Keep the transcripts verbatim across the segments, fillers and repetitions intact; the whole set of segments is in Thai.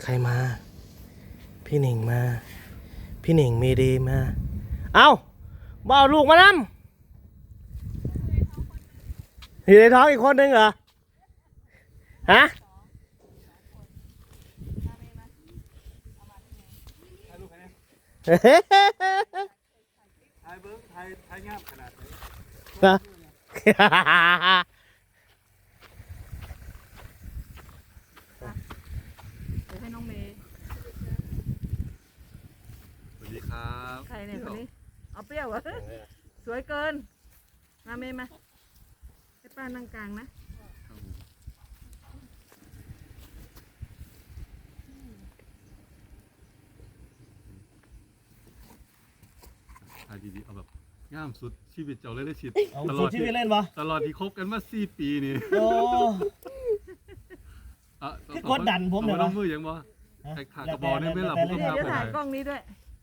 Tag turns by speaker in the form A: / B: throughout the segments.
A: ใครมาพี่หนิงมาพี่หนิงเมดีมาเอ้าบ่าวลูกมานำอยู่ในท้องอีกคนนึงเหรอฮะ
B: ไทยเบิ้งไทยไทยงามขนาดไหน
A: นะ
C: เดี๋ยวให้น้องเมย์
B: สวัสดีครับ
C: ใครเนี่ยคนนี้เอาเปรี้ยวเหรอสวยเกินมาเมย์มาให้ป้านั่งกลางนะ
B: ไทยดีๆเอาแบบงามสุดชีวิตเจ้าเลยได้ชิด
A: เอา
B: ตล
A: สุ
B: อ
A: ด
B: ด
A: ที่
B: ที่
A: ไปเล่นปะ
B: ตลอดที่คบกันมาสี่ปีนี่
A: โอ้
B: อ่ะ
A: คือกดดันผมเหรอ
B: เอาน้องมือยังบ่ไอ้ขากระบอกนี่ไม่หลับผมก็
C: เดี๋ยว
B: พา
C: เดี๋ยว
B: ไปไหน
C: ถ่ายกล้องนี้ด้วย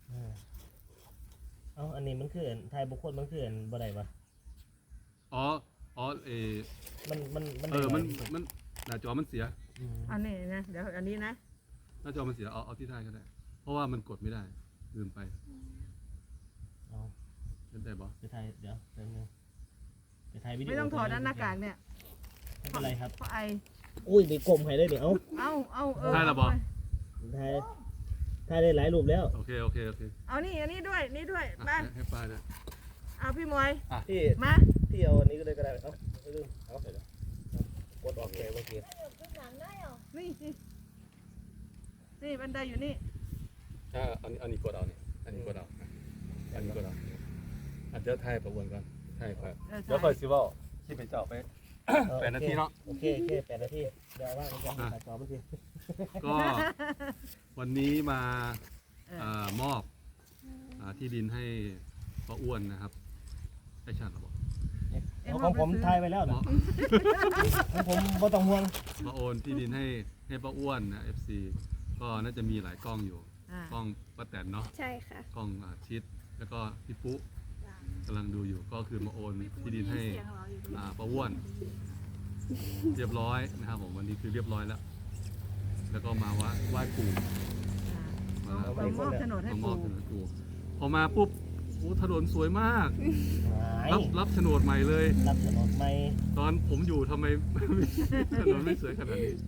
A: เอาอันนี้มันคือไทยบุคคลมันคือบ่ได้ปะ
B: อ๋ออ๋อเออ
A: มันมันมัน
B: เออมันมันหน้าจอมันเสีย
C: อันนี้นะเดี๋ยวอันนี้นะ
B: หน้าจอมันเสียเอาเอาที่ไทยก็ได้เพราะว่ามันกดไม่ได้ลืมไป
A: เอา
B: เล่นได้บ่
A: ไปไทยเดี๋ยวแป๊บนึงไปไทยวิดีโอ
C: ไม่ต้องถอดนะหน้ากากเนี่ย
A: ไม่เป็นไรครับ
C: เพราะไอ
A: อุ้ยมีกลมให้ได้เดี๋ยวเอา
C: เอาเอาเออ
B: ได้แล้วบ่
A: ไทยไทยได้หลายรูปแล้ว
B: โอเคโอเคโอเค
C: เอานี่อันนี้ด้วยนี่ด้วย
B: อ่ะ
C: มา
B: ให้ให้ป้าด้วย
C: เอาพี่มวย
A: พี่
C: มา
A: พี่เอาอันนี้ก็ได้ก็ได้เอาไม่ลืมเอาเสร็จแล้วกดออกแกเมื่อกี้
C: นี่นี่นี่บันไดอยู่นี่
B: อ่าอันนี้อันนี้กดเอานี่อันนี้กดเอาอันนี้กดเอาอันเดี๋ยวไทยประวนก่อนไทยครับ
C: เออ
B: เดี๋ยวคอยซิเว่าที่ไปเจาะไป แปดนาทีเนาะ
A: โอเคโอเคแปดนาทีเดี๋ยวว่ามันจะถ่ายต่อเมื่อกี้
B: ก็วันนี้มา
C: เออ
B: อ่ามอบอ่าที่ดินให้ป้าอ้วนนะครับไอ้ชาติเหรอบอก
A: เอาของผมถ่ายไปแล้ว
B: หม
A: นะ
B: อ
A: ของผมบ่ต้องห่วง
B: มาโอนที่ดินให้ให้ป้าอ้วนนะ เอฟ ซี ก็น่าจะมีหลายกล้องอยู่
C: อ่าก
B: ล้องป้าแตนเนาะ
D: ใช่ค่ะ
B: กล้องอ่าชิดแล้วก็พี่ปุ๊กำลังดูอยู่ก็คือมาโอนที่ดินให้อ่าป้าอ้วน เรียบร้อยนะครับผมวันนี้คือเรียบร้อยแล้ว แล้วก็มาไหว้ไหว้ปู่มา
C: เอามอบโฉนดให้
B: มามอ
C: ปู่
B: บถนนปู่พอมาปุ๊บโอ้ถนนสวยมาก
A: หาย
B: รับรับโฉนดใหม่เลย
A: รับถนนไม่
B: ตอนผมอยู่ทำไม ถนนไม่สวยขนาดนี้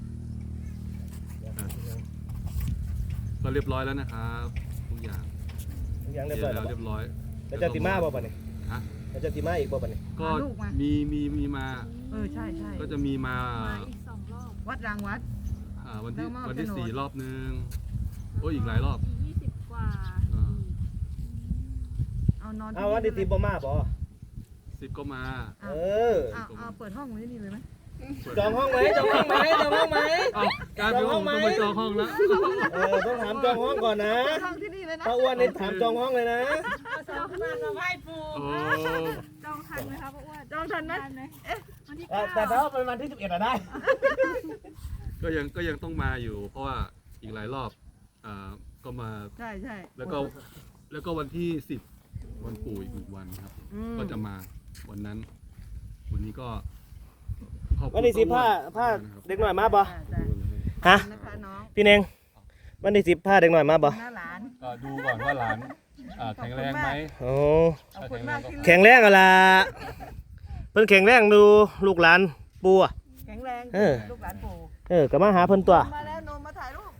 B: ก็เรียบร้อยแล้วนะครับทุกอย่าง
A: ยัง
B: เรี
A: เรี
B: ย
A: ย
B: บบ ร้
A: ร้
B: อ
A: อย ย
B: แล้วเรียบร้อย
A: แล้วจะติมาบ่ปะเนี่ย
B: ฮะ
A: แล้วจะติมาอีกบ่ปะเนี่ย
B: ก็มีมีมีมา
C: เออใช่ใช่
B: ก็จะมีมา
D: มาอีกสองรอบ
C: วัดรางวัด
B: อ่าวันที่
C: แล้วมอบ
B: วันที่
C: โฉนด
B: สี่รอบนึงโอ้ยอีกหลายรอบ
D: อีกยี่สิบกว่า
B: อ่า
C: เอานอน
A: เอาวันที่ติบ่มาบ่
B: สิบก็มา
C: เอา
A: เออ
C: เอาเอาเปิดห้องไว้นี่เลยไหม
A: จองห้องไหมจองห้องไหมจองห้องไหม
B: เอ้าการเป็นห้องต้องไปจองห้องแล้ว
A: เออต้องถามจองห้องก่อนนะ
C: เปิดห้องที่นี่เลยนะ
A: ป้าอ้วนนี่ถามจองห้องเลยนะ
C: จองมามาไหว้ปู่
B: โอ้
D: จองทันไหมคะป้าอ้วน
C: จองทันไหม
D: ทันไหมวันที่
A: แต่
D: เก้า
A: แต่ถ้าเป็นวันที่สิบเอ็ดอะได้
B: ก็ยังก็ยังต้องมาอยู่ เพราะว่าอีกหลายรอบอ่าก็มา
C: ใช่ใช่
B: แล้วก็แล้วก็วันที่สิบวันปู่อีกหนึ่งวันครับ
C: อืม
B: ก็จะมาวันนั้น วันนี้ก็ขอบคุณ
A: วันที่สิบผ้า
B: ป้อ้วน
A: ผ้า
B: นะครับ
A: เด็กหน่อยมาบ่
C: จ้ะ
A: ฮะ
C: นะคะน้อง
A: พี่เนงวันที่สิบผ้าเด็กหน่อยมาบ่
C: หน้าหลาน
B: ก็ดูก่อนว่าหลานอ่าแข็งแรงไหม
A: โอ้
C: ขอบคุณมากที่
A: แข็งแรงอะล่ะเพิ่นแข็งแรงดูลูกหลานปู่อะ
C: แข็งแรง
A: เออ
C: ลูกหลานปู่
A: เออก็มาหาเพิ่นตัว
C: มาแล้วโนมมาถ่ายรูป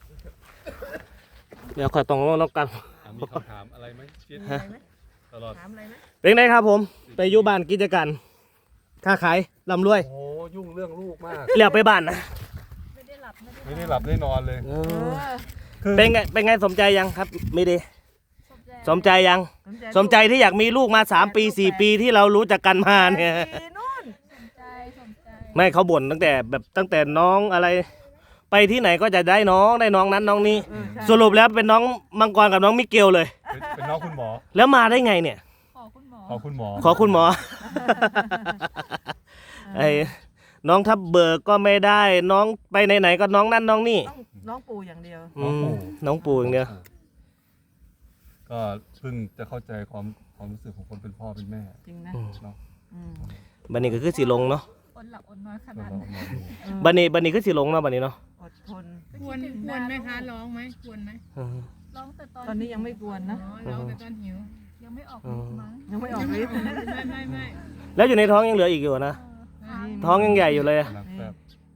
A: เดี๋ยวขอยต้องลงนกกัน
B: อ่ะมีคำถามอะไรไหมชิด
C: มีอะไรไหม
B: ตลอด
C: ถามอะไรไหม
A: เป็นไงครับผม ไปอยู่บ้านกิจการค้าขายร่ำรวย
B: โอ้ยุ่งเรื่องลูกมาก
A: เรียกไปบ้านนะ
D: ไม่ได้หลับไม่ได้
B: ไม่ได้หลับได้นอนเลย
A: เอ
C: เอ
A: อ
C: อ
A: เป็นไงเป็นไงสมใจยังครับไม่ดี
D: สนใจ
A: สมใจยัง สมใจที่อยากมีลูกมาสามปีสี่ปีที่เรารู้จักกันมาเนี่ย
C: ปีนู่น
D: สนใจสนใจ
A: ไม่เขาบ่นตั้งแต่แบบตั้งแต่น้องอะไร ไปที่ไหนก็จะได้น้องได้น้องนั้นน้องนี้
C: เออใช่
A: สรุปแล้วเป็นน้องมังกรกับน้องมิเกลเลย
B: เป็นเป็นน้องคุณหมอ
A: แล้วมาได้ไงเนี่ย
D: ขอคุณหมอ
B: ขอคุณหมอ
A: ขอคุณหมอ ไอ้น้องทับเบิกก็ไม่ได้น้องไปไหนๆก็น้องนั่นน้องนี่
C: ต้องน้องปู่อย่างเดียว
A: อืมน้องปู่อย่างเดียว
B: ก็เพิ่งจะเข้าใจความความรู้สึกของคนเป็นพ่อเป็นแม่
C: จริงนะ
B: เนาะ
C: อืม
A: บันนี้ก็คือสีลงเนาะ
D: อดหลับอดนอนข
B: ก็
D: นาด
B: ลอง
D: นั้น
B: ลองดู
C: เออ
A: บันนี้บันนี้คือสีลงเนาะบันนี้เนาะ
C: อดทน
D: ก็
E: ควรควรไหมคะร้องไหมควรไหม
A: อืม
D: ร้องแต่ตอน
C: ตอนนี้ยังไม่กวนนะ
E: อ๋อร้องแต่ตอนหิว
D: ยังไม่ออกฤทธิ์มั้ง
C: ยังไม่ออกฤทธิ์
E: ไม่ไม่ไม่
A: แล้วอยู่ในท้องยังเหลืออีกอยู่นะ
D: เออค้าง
A: ท้องยังใหญ่อยู่เลยอะ
B: กำลังแซ่บ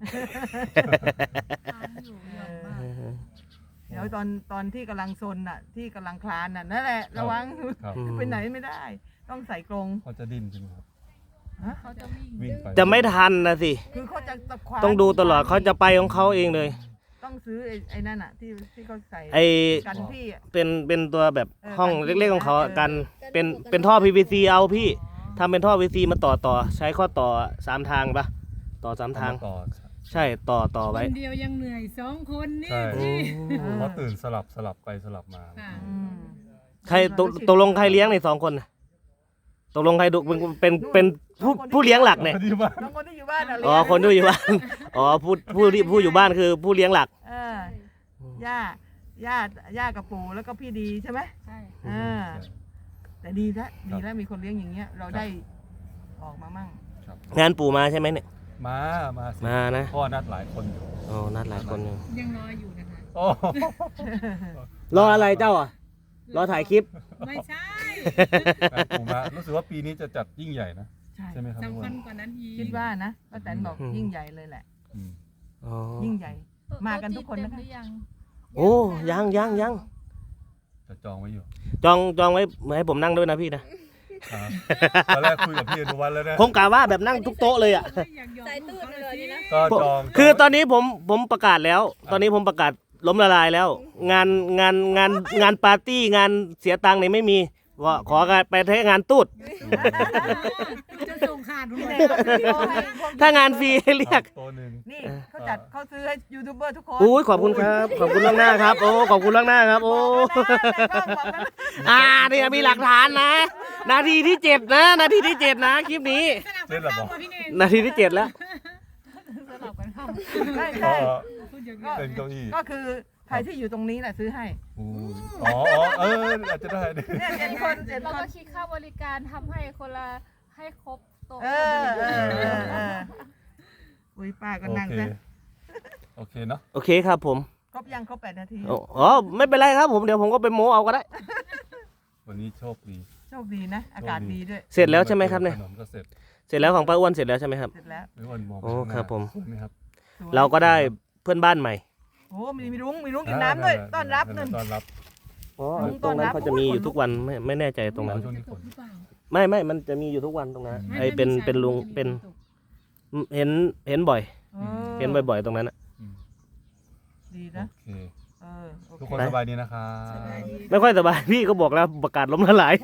D: ค้างอยู่เยอะมาก
C: เดี๋ยวตอนตอนที่กำลังซนน่ะ ที่กำลังคลานน่ะนั่นแหละระวัง
B: ครับ
C: ไปไหนไม่ได้ ต้องใส่กรง
B: เขาจะดิ้นใช่ไหมครับ
D: เขาจะวิ่ง
B: วิ่งไป
A: จะไม่ทันนะสิ
C: คือเขาจะตะควาน
A: ต้องดูตลอดเขาจะไปของเขาเองเลย
C: ต้องซื้อไอ้ไอ้นั่นอ่ะที่ที่เขาใส่
A: ไอ
C: กันพี่อ่ะ
A: เป็นเป็นตัวแบบ
C: เออ
A: ห้อง
C: กัน
A: เล็กๆของเขา
C: เออ
A: กันเป็นเป็นท่อ พี วี ซี เอาพี่ทำเป็นท่อ พี วี ซี มาต่อต่อใช้ข้อต่อสามทางปะต่อสามทาง
B: ต่อ
A: ใช่ต่อต่อ
E: ค
A: ไว้
E: นเดียวยังเหนื่อยสองคนนี่
B: ใช่
E: พี่
B: เพราะตื่นสลับสลับไปสลับมา
E: ค่ะ
C: อืม
A: ใครตกตกลงใครเลี้ยงในสองคนน่ะตกลงใครดูเป็นเป็นเป็นผู้ผู้เลี้ยงหลักเนี่ย
B: ที่บ้าน
C: น้องคนที่อยู่บ้านอ่ะ
A: อ๋อคนที่อยู่บ้าน อ๋อผู้ผู้ที่ผู้อยู่บ้านคือผู้เลี้ยงหลัก
C: เออย่าย่าย่ากับปู่แล้วก็พี่ดีใช่ไหม
D: ใช่
C: เออแต่ดีแล้วดีแล้วมีคนเลี้ยงอย่างเงี้ย เราได้ออกมามั่ง
B: ครับ
A: งานปู่มาใช่ไหมเนี่ย
B: มามาสิ
A: มานะ
B: พ่อนัดหลายคนอยู่
A: อ๋อนัดหลายคนอยู่
E: ยังรออยู่นะคะ
B: โอ้
A: รออะไรเจ้าอ่ะรอถ่ายคลิป
E: ไม่ใช่
B: ผมมารู้สึกว่าปีนี้จะจัดยิ่งใหญ่นะ
C: ใช่
B: ใช่ไหมครับ
E: สำคัญกว่านั้นอีก
C: คิดว่านะป้าแตนบอก
A: อืม
C: ยิ่งใหญ่เลยแหละ
B: อืม
A: อ๋อ
C: ยิ่งใหญ่ มากันทุกคนนะคะ
D: โต๊จีเต็มหรือยัง
A: โอ้ยังยังยัง
B: จะจองไว้อยู่
A: จองจองไว้ให้ผมนั่งด้วยนะพี่นะ
B: ครับตอนแรกคุยกับพี่อนุวัฒน์แล้วนะ
A: ผมกะว่าแบบนั่งทุกโต๊ะเลยอ่ะ
E: อยากยอม
F: สายตูดเลยนี่นะ
B: ก็จอง
A: คือตอนนี้ผมผมประกาศแล้ว ตอนนี้ผมประกาศล้มละลายแล้ว งานงานงานงานปาร์ตี้งานเสียตังค์เนี่ยไม่มีว่าขอการไปเทงานตูด
E: จะส่งขาดหมด
C: นี่เขาซื้อโต๊ะให้พวก
A: ถ้างานฟรีให้เรียก
B: ตัวหนึ่ง
C: นี่เขาจัดเขาซื้อให้ยูทูบเบอร์ทุกคน
A: อุ้ยขอบคุณครับ ขอบคุณล่วงหน้าครับ โอ้ขอบคุณล่วงหน้าครับ โอ้ อ่าเนี่ยมีหลักฐานนะ นาทีที่เจ็ดนะ นาทีที่เจ็ดนะคลิปนี้
E: สลับกันเข้ามาพี่เน่ง
A: นาทีที่เจ็ดแล้ว
D: สลับกันเข้า
C: ใช่
B: ก็
C: ใช่
E: พูดเยอะ
C: ก็
B: เป็นเก้าอี้
C: ก็คือใครที่อยู่ตรงนี้แหละซื้อให้
B: อู้อ๋ออ๋อเอออาจจะได้
C: เนี่ยเจ็ดคนเจ็ด
D: เรา
C: ค
D: ก็
C: น
D: คิดค่าบริการทำให้คนละให้ครบโต๊ะ
C: เออเออเออเอออุ้ยป้าก็
B: โอ
C: นั่ง
B: เค
C: ซะ
B: โอเคเนาะ
A: โอเคครับผม
C: ครบยังครบแปดนาที
A: อ๋ออ๋อไม่เป็นไรครับผม เดี๋ยวผมก็ไปโม้เอาก็ได้
B: วันนี้โชคดี
C: โชคดีนะ อากาศดีด้วย
A: เสร็จแล้วใช่ไหมครับเนี่ย
B: ขนมก็เสร็จ
A: เสร็จแล้วของป้าอ้วนเสร็จแล้วใช่ไหมครับ
C: เสร็จแล้ว
B: ไม่วันมองไป
A: โอ้
B: ข้างหน้า
A: ครับผม
B: สวยไหมครับ
C: สวย
A: เราก็ได้เพื่อนบ้านใหม่
C: โอ้มีมีรุ้งมีรุ้งกินน้ำด้วย ต้อนรับหนึ่ง
B: ต้อนรับ
A: อ๋อ
C: ลุง
A: ตรงนั้น
C: ต้อนรับ
A: เขาจะมีอยู่ทุกวันไม่ไม่แน่ใจตรงนั้น
B: ช่วงนี้ฝน
E: หรือเปล่า
A: ไม่ไม่มันจะมีอยู่ทุกวันตรงนั้นไอเป็นเป็นลุงเป็นเห็นเห็นบ่อย
C: ออ
A: เห็นบ่อยๆตรงนั้นอะ
C: ดี
B: โอ
C: นะ
B: เค
C: เออโอ
B: ทุก
C: เค
B: คนสบายดีนะครับ
A: ไม่ค่อยสบายพี่ก็บอกแล้วประกาศล้มละลาย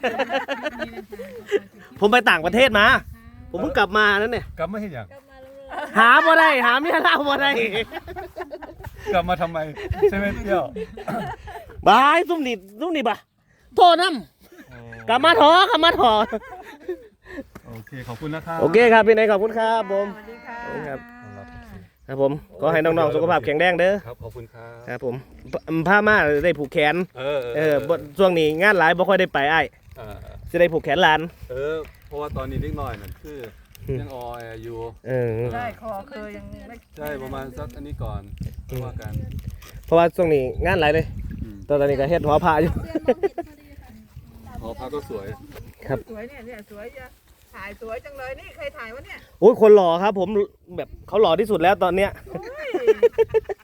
A: ผมไปต่างประเทศมา ผมเพิ่งกลับมานั่นเนี่ย
B: กลับมาเห็นอย่าง
F: กลับมาแล้ว
A: หาบ่ได้หาเมียเล่าบ่ได้
B: กลับมาทำไมใช่ไหมเที่ยว
A: บายซุ่มนี่ซุ่มนี่บ่ะโทษน้ำกลับมาถอกลับมาถอ
B: โอเคขอบคุณนะครับ
A: โอเคครับพี่นายขอบคุณครับผม
C: สวัสดีค่ะ
A: ขอบคุณครับ
B: ต้อนรับโอเค
A: ครับผมก็ให้น้องๆสุขภาพแข็งแรงเด้อ
B: ครับขอบคุณครับ
A: ครับผมผ้าม่าได้ผูกแขน
B: เออ
A: เออบ่ช่วงนี้งานหลายบ่ค่อยได้ไปอ้าย
B: เออ
A: สิได้ผูกแขนหลาน
B: เออเพราะว่าตอนนี้นิดหน่อยนั่นคือยังออยอยู่
A: เออ
C: ได้คอเคยยังไม่
B: ใช่ประมาณสักอันนี้ก่อนค่อยว่ากัน
A: เพราะว่าช่วงนี้งานหลายเลย
B: อืม
A: ตอนนี้ก็เฮ็ดหอผ้าอยู่
F: เดือนมองเห็นพอดีค่ะ
B: หอพักก็สวย
C: สวยเนี่ยเนี่ยสวยจะถ่ายสวยจังเลยนี่ใครถ่ายวะเนี่ย
A: โอ้ยคนหล่อครับ ผมแบบเขาหล่อที่สุดแล้วตอนเนี้ย
C: โอ้ย